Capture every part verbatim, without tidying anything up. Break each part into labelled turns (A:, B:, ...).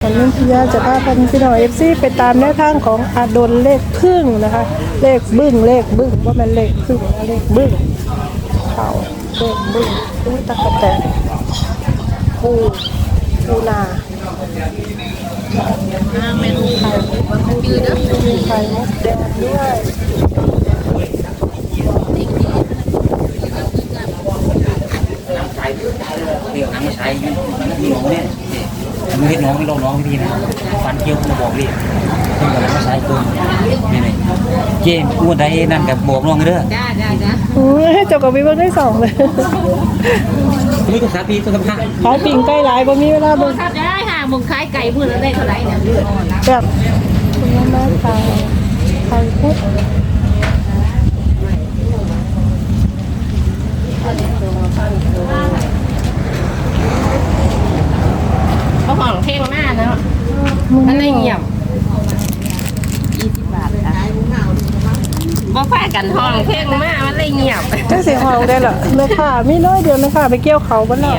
A: วันนี้พี่ยาจะพาพันพี่น้องเอฟซีไปตามแนวทางของอาดลเลขพึ่งนะคะเลขบึ้งเลขบึ้งว่ามันเลขพึ่งนะเลขบึ้งเขาเลขบึ้งตู้ตะกะแตนปูปูนาเมนูไข่ยืดนะมีไข่มดแดงด้วย
B: เดี๋ยวน้ำมาใช้พี่น้องเนี่ยมือเห็ดน้องไม่ลงน้องพี่นะฟันเกี้ยวมาบอกพี่เพิ่งกำลังมาใช้ตัวนี่นี่เจมอ้วนได้นั่นกับบอกน้องเด้อจ้าจ้าจ้า
A: โอ้ยเจ้ากับพี่เบิ้งได้สองเลย
B: มือกับสาปีตัวกับผ้า
A: ขายปิ่งใกล้หลายบ่มีเวลาเบิ้ง
C: ได้ค่ะมึงขายไก่มือละได้เท่าไหร่เนี่ย
A: แบบคุณแม่ขายขายพุทธ
C: เขาห่องเพลงมากนะมันไม่เงียบยี่สิบบาทค่ะบ่แพ้กันห้องเพลงมากมันเลยเงียบ
A: แค่เสียงห้องได้เหรอแม่ค่ะมีน้อยเดียวแม่ค่ะไปเกี่ยวเขาบ้านเรา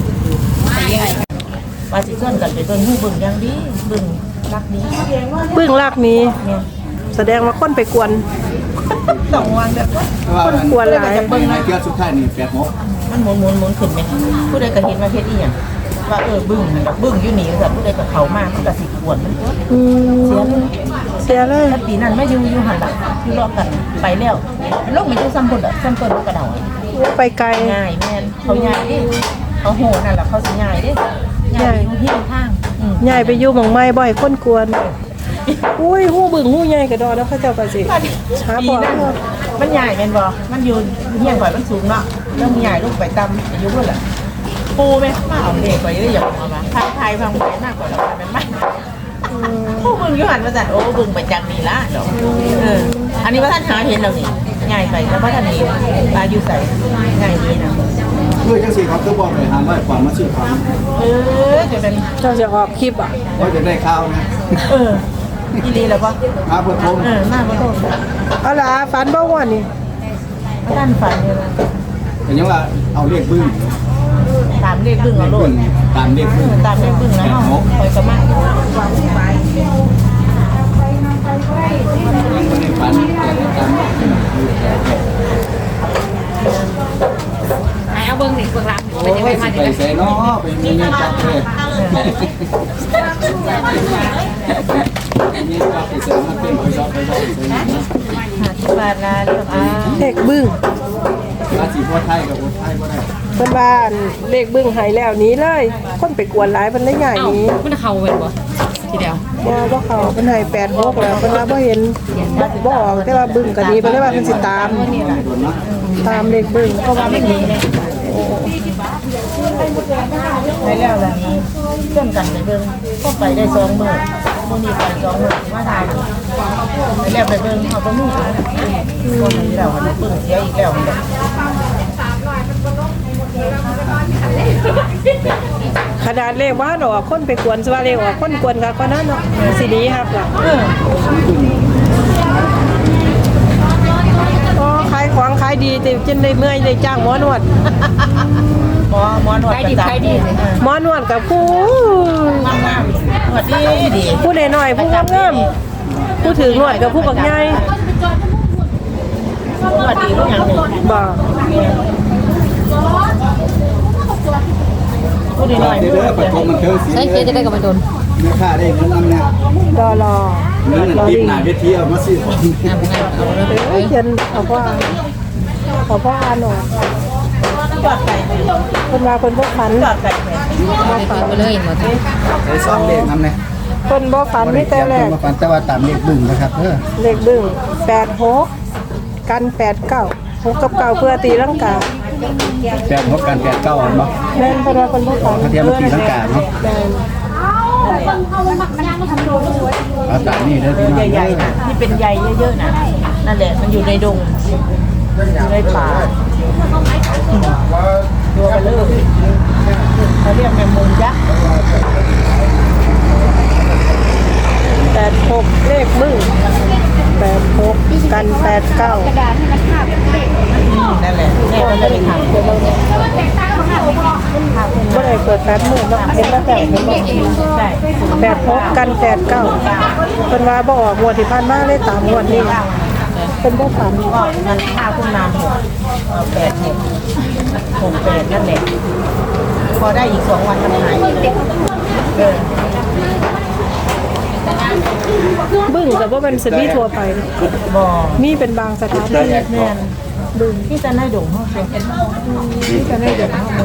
C: ว่าสิส่วนกันไปเบิ่งหูเบิ่งอย่างดีเบิ่งรักนี้
A: เบิ่งรักนี้แสดงว่าคนไปกวน
C: สองวันแบบ
A: คนกวนหลาย
D: เบิ่งในเกี่ยวสุดท้ายนี่แปดโมง
C: มันหมุนหมุนหมุนขึ้นไหมผู้ใดก็เห็นว่าเฮ็ดอีหยังว่าเออบึ้งมันบึ้งอยู่นี่แบบผู้ใดก็เขามากมันก็สิกวนมันเสียเลย
A: เสียเลย
C: ถ้าปีนั้นไม่อยู่อยู่หันหลังอยู่รอกันไปแล้วโลกมันจะซ้ำบนอ่ะซ้ำต้นกระเดา
A: ไปไกล
C: ง่ายแม่นเขาง่ายดิเขาโหนั่นแหละเขาสิง่ายดิง่ายอยู่ที่ทาง
A: ใหญ่ไปอยู่หม่องไม้บ่อยคนกวนอุ้ยหู้บึ้งหู้ใหญ่กระดอแล้วเขาเจ้าก็สิช้าพอ
C: มันใหญ่แม่นบ่มันอยู่เฮียงข่อยมันสูงเนาะแล้วมันใหญ่ลูกไปต่ำอายุเท่าไหร่ปูไหมมาเอาเด็กไปได้อย่างเอามาทายทายฟังไปมากกว่าเราเป็นไหมผู้บึงยุหันมาจัดโอ้บึงไปจังนี่ละเนาะเอออันนี้ว่าท่านหาเห็นเรานี่ง่ายไปแล้วว่าท่านนี้ปลาอยู่ใส่ง่ายดีนะ
D: เพื่อจังสี่เขาคือบอกเลยหาว่าความมาซื้อความ
C: เออจะเป็น
A: เจ้าจะออกคลิปอ่ะ
D: ว่าจะได้ข้าวนะ
C: เอออีลีแล้วปะ
D: มาเพื่อทง
C: เออมาเพื่อทง
A: เอาล่ะฝันบ่ว่านี่
C: ท่านฝันเลย
D: แต่ยังว่าเอาเลขบึ้ง
C: ตามเลขบึ้งเอาโลด
D: ตามเลขบึ้ง
C: ตามเลขบึ้งนะคอยกระมัด
D: ยังไม่ได้ฝันแต่ตาม
C: ไอเอาเบิ้งสิเบิ้งรับ
D: ไปยังไงมาไปใส่เนาะไปมีเงินจับเลยนี่ก็ไปเสริมมาเป็นไปรอบไปรอบ
C: หาที่บ้านนะเรื่องอ่า
A: เลขบึ้ง
D: ราศีพ่อไทยกับพ่อไทยพ่อไทย
A: เพิ่นบ้านเลขบึ้งหายแล้วนี้เลยคนไปกวนหลายเพิ่นได้ใหญ่นี้
C: มันเข้าเป็นบ่ทีเดียว
A: บ่บ่เข้าเพิ่นให้แปด หกแล้วเพิ่นว่าบ่เห็นบ่ออกแต่ว่าบึ้งก็ดีเพิ่นเลยว่าเพิ่นสิตามตามเลขบึ้งเพราะว่ามันดี
C: ไปแล้วล่ะนี้เชื่อมกันไปเบิ่งก็ไปได้สองมื้อมื้อนี้ไปสองมื้อมาทานไปแล้วไปเบิ่งเฮาบ่มีบ่มีแล้วมันเบิ่งเสียอีกแล้ว
A: ขนาดเลขว่าดอกคนไปกวนสว่าเลขว่าคนกวนก็นั้นเนาะสิดีครับล่ะอ๋อขายของขายดีแต่จนได้เมื่อยได้จ้างหมอนวด
C: หมอหมอนวดขายดีขายดี
A: หมอนวดกับผู้
C: งามๆนวดดีดี
A: ผู้น้อยๆผู้งามๆผู้ถือนวดกับผู้บักใหญ่
C: นวดดีทุกอย่างเลย
A: บ่
C: ผู้น้อยๆผู้
D: ปัดทงมันเทิงสี
C: ใช้เกจะได้กับมันโดน
D: เนื้อค่าได้เงินน้ำเนี่ย
A: รอรอ
D: เงินติดหนาเวทีเอามาซื้อของ
C: งามงามเอา
A: เลยเขียนเอาพ่อเอาพ่ออ่านหน่อย
C: จอดไก่
A: คนมาคนบ่ฝัน
C: จอดไก่บ่ฝันไปเลยหมด
D: ใช้ซ่อมเลขน้ำเนี่ย
A: คนบ่ฝันไม่แต่แรก
D: บ่ฝันแต่ว่าตามเลขบึ้งนะครับเออ
A: เลขบึ้งแปด หกกันแปด เก้า หกกับเก้าเพื่อตีลังกา
D: แปดหกกันแปดเก้าเนาะ
A: แม่นเพราะว่าคนบ่ฝัน
D: เทียมตีลังกาเนาะเอาตามนี่เด้อพี่น้อง
C: ใหญ่ๆนะที่เป็นใยเยอะๆนะนั่นแหละมันอยู่ในดงอยู่ในป่าตัวเบลอเขาเรียกแมงมุมยักษ์
A: แปด หกเลขบึ้งแปด หกกันแปด เก้ากระดาษให้มันคาบ
C: นั่นแหละแม่ก็เลยทำเดี๋ยวเราเนี่ย
A: บ่ได้เปิดไฟดหมื่นเนาะเห็นแล้วแต่เห็นบ่
C: ใช่
A: แปดหกกันแปดเก้าเพิ่นว่าบ่ออกงวดที่ผ่านมาเลยตามงวดนี้เพิ่นบ่ฝัน
C: ก็มันข้าวขึ้นนานหกเอาแปดหกหกแปดนั่นแหละพอได้อีกสองวันมันหายเออ
A: บึ้งก็บ่เป็นสิมีทั่วไป
C: บ่
A: มีเป็นบางสถานที่
C: แม่นบึงที่จะได้ดงเฮาเซ็นที่จะได้ดงเฮามัน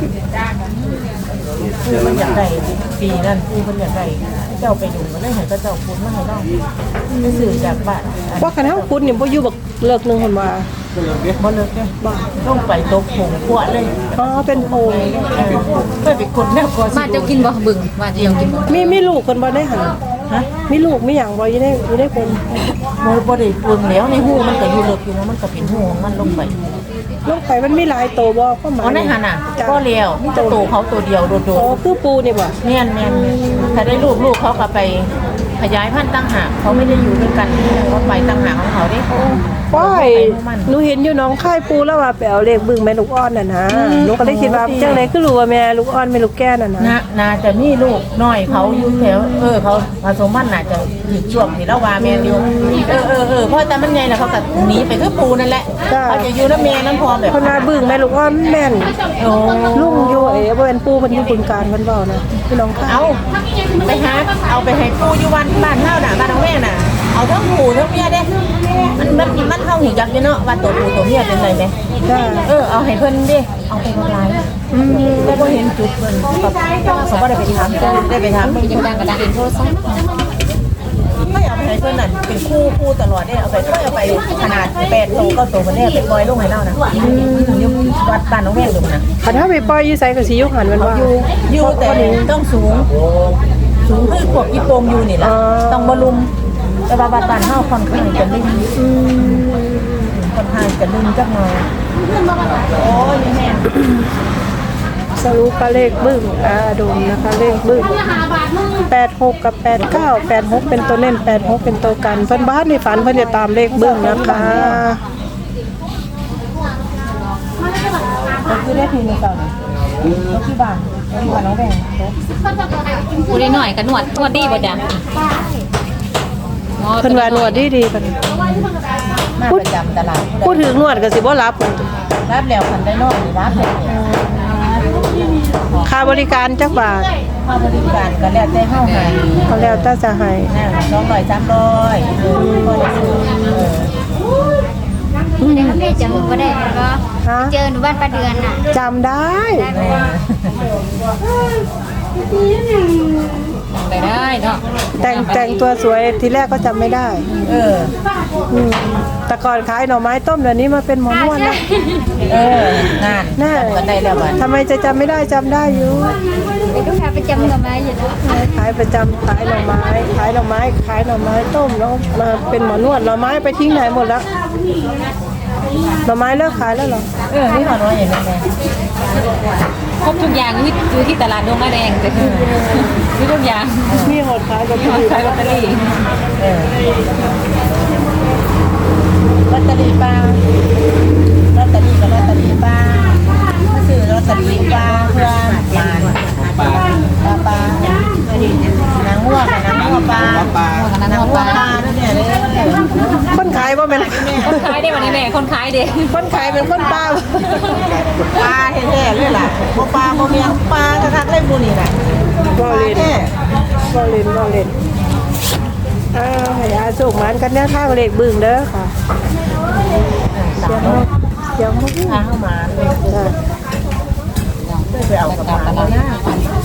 C: คือมันอยากได้ปีนั่นคือมันอยากได้เจ้าไปดงก็ได้ให้ก็เจ้าคุณมาให้เราไปซื้อจากบ้าน
A: ว่าคันเฮาคุณนี่บ่อยู่บักเลิกหนึงเพิ่นว่า
C: บ่เลิกเด้บ่ต้องไปตกผงพวเลย
A: อ๋อเป็นโพง
C: เออเพื่อไปคนแนวก่อน
E: มาเจ้ากินบ่บึงมาเจ้ากินบ่
A: มีมีลูกเพิ่นบ่ได้หั่น
C: ฮะ
A: มีลูกมีหยังบ่อยู่ในอยู่ในคน
C: บ่บ่ได้ปรุงแล้วในหูมันก็อยู่เลิกอยู่นะมันก็เป็นหูของมันลงไป
A: ลงไปมันมีหลายโตวบ่ความหมาย
C: อ๋อในหันน่ะก็เลี้ยวมีแต่ตัวเขาตัวเดียวโดด
A: อ๋อคือปูนี่บ่
C: ๆแม่นแม่นถ้าได้ลูกลูกเขาก็ไปขยายพันธุ์ตั้งหากเขาไม่ได้อยู่ด้วยกันเขาไปตั้งหากของเขาเด้
A: ว้ายหนูเห็นอยู่หน้องค่ายปูแล้วว่าไปเอาเลขบึ้งแม่ลูกอ่อนน่ะนะหนูก็เลยคิดว่าจังได๋คือรู้ว่าแม่ลูกอ่อนแม่ลูกแก่น่ะนะ
C: นะน่าจะมีลูกน้อยเขาอยู่แถวเออเขาผสมพันธุ์น่าจะถึงช่วงที่เราว่าแม่นอยู่เออเออเออเพราะแต่มันใหญ่น่ะเขาก็หนีไปคือปูนั่นแหละเขาจะอยู่น้ำแม่น้ำพอแบบ
A: เพิ่นว่าบึ้งแม่ลูกอ่อนแม่น
C: โอ้
A: ลุงอยู่เอ๋บ่เป็นปูเพิ่นอยู่บึงการเพิ่นเว้านะพี่น้องค่าย
C: เอาไปหาเอาไปให้ปูอยู่วันบ้านเฮาน่ะบ้านของแม่น่ะเอาทั้งปูทั้งเมียเด้มันมันมันเฮาหูจักอยู่เนาะว่าตัวปูตัวเมียเป็นไรไหม
A: จ้า
C: เออเอาให้เพิ่นดิเอาไปบ่หลายอืมแต่บ่เห็นจุดเพิ่นกับเขาบ่ได้ไปถามเพิ่นได้ไปถามเพิ่น
E: ยังดังกระดังเป็นโทรศัพท์
C: ไม่เอาไปให้เพิ่นนั่นเป็นคู่คู่ตลอดได้เอาไปไม่เอาไปขนาดแปดโตเก้าโตมันได้ไปปล่อยลงให้เรานะอยู่วัดบ้านน้องแม่งอยู่นะ
A: คันเฮาไปปล่อยอยู่ไสก็สิอยู่หันมันว่า
C: อยู่อยู่แต่ต้องสูง สูงคือพวกอีโปงอยู่นี่ล่ะต้องบ่ลุมแต่ว่าบ้านเฮาค่อนข้างจะลิ่ม
A: อืม
C: ค่อนข้างจะลิ่มจักหน่อยโอ้ยแม่
A: สรุปว่าเลขบึ้งอาดมนะคะเลขบึ้งแปดหกกับแปดเก้า แปดหกเป็นตัวเล่นแปดหกเป็นตัวกันเพิ่นบ้านในฝันเพิ่นจะตามเลขบึ้งนะคะ
C: ก็คือได้ทีนึงก่อนก็ที่บ้านที่บ้านน้องแบง
E: ผู้ได้หน่อยก็นวดนวดดีบ่จ้ะอ๋อ
A: เพิ่นว่านวดดีๆเพิ่น
C: มาประจำตลาด
A: พูดถึงนวดก็สิบ่รับเพิ่น
C: รับแล้วคันได้นอนนี่รับเลย
A: ค่าบริการจักบาท
C: ค่าบริการก็แล้วแต่เฮาให้
A: เขาแล้วแต่จะให้
C: นั่นสองร้อยสามร้อยเออก็ได้ซื้อเออ
F: เดี๋ยวแม่จำหนูก็ได้แล้วก็
A: ฮะ
F: เจอหนูบ้านป้าเดือนน่ะ
A: จำได้
C: แม่
E: ได้ได้เนาะ
A: แต่งแต่งตัวสวยทีแรกก็จำไม่ได้
C: เออ
A: อืมแต่ก่อนขายหน่อไม้ต้มเดี๋ยวนี้มาเป็นหมอนวดนะ
C: เออนั่น
A: น่า
C: ก็ได้แล้วบัด
A: ทำไมจะจำไม่ได้จำได้อยู่
F: เด็กลูกค้าประจำกับมาอยู่แล้ว
A: ขายประจำขายหน่อไม้ ขายหน่อไม้ ขายหน่อไม้ต้มแล้วมาเป็นหมอนวดหน่อไม้ไปทิ้งไหนหมดแล้วหน่อไม้เลิกขายแล้วเหรอ
C: เออนี่ขอน้อยอย่างนี้แม่
E: ครบทุกอย่างอยู่ที่อยู่ที่ตลาดดงมาแดงแต่คือมีทุกอย่าง
A: มีหดขายกับพี่
E: ขายลอตเตอรี่
C: เออลอตเตอรี่ปลาลอตเตอรี่กับลอตเตอรี่ปลาซื้อลอตเตอรี่ปลาเพื่อมานปลาปลาปลานางงัวกับนางงัวปลา
D: ปลา
C: นางงัวปลาด้วยเนี่ยเลย
A: คนขายว่าเป็น
E: คนขายได้วันนี้แม่คนขายเด้
A: คนขายเป็นคนป้า
C: ปลาแท้ๆเลยล่ะบ่ปลาบ่เมียงปลากระทักเลยบุนี่น่ะ
A: บอ
C: ปลา
A: เลน
C: แท้
A: บอเลนบอเลนอ้าวให้อาสุกมันกันเนี่ยข้างเลขบึ้งเด้อค่ะ
C: สาม
A: เสียงมัน
C: พาเข้ามาเลย
A: จ้ะ
C: ไปเอากระเป๋าแล้วนะ